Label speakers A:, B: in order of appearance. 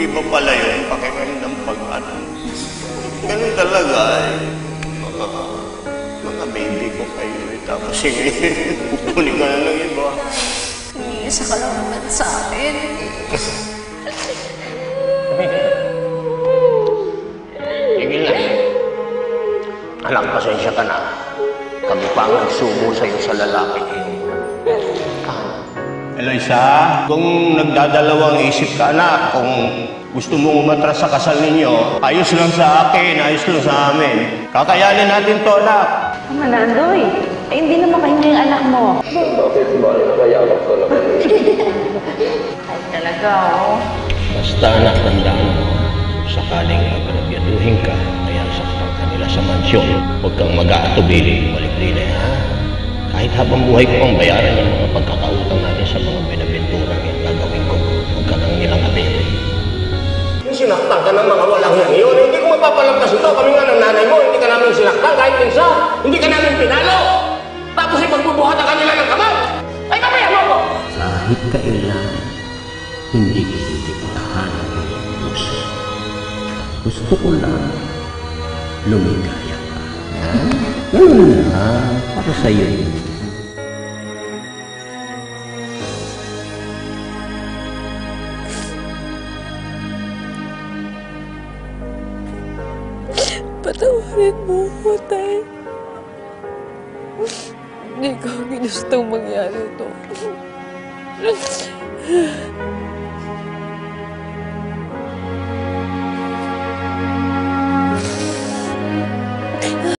A: Iba pala yung pakiramdam pag ano. Ganun talaga eh. Mga baby ko kayo eh. Tapos kukunin ka na ng iba.
B: Iisa ka lang naman sa akin.
A: Tigil na. Anak, pasensya ka na. Kami pa ang nagsubo sa'yo sa lalaki. Eloisa, kung nagdadalawang isip ka anak, kung gusto mong umatras sa kasal ninyo, ayos lang sa akin, ayos lang sa amin. Kakayanin natin to, anak.
C: Tama na, Andoy. Eh, hindi naman kayo yung anak mo.
A: Bakit ba? Nakayamak ko naman.
C: Ay, talaga, oh.
A: Basta anak, tandaan mo, sakaling magpapyaduhin ka, kaya saktan ka nila sa mansyon. Huwag kang mag-aatubili, malikli ha? Kahit habang buhay ko ang bayaran yung mga pagkakautang natin sa mga binabentura yung gagawin ko. Huwag ka nang nilang atili. Yung sinaktan ka ng mga walang yan yun, hindi ko mapapalampas ito. Kami nga ng nanay mo, hindi ka namin sinaktan kahit minsan. Hindi ka namin pinalo. Tapos ipagbubuhatan ka nila ng kamay. Ay, mamaya mo ko!
D: Kahit kailan, hindi ko diktahan ang puso. Gusto ko lang lumigaya ka. Ganun na, para sa'yo yun.
B: Patawarin mo ko, Tay. Hindi ko ginustong mangyari ito.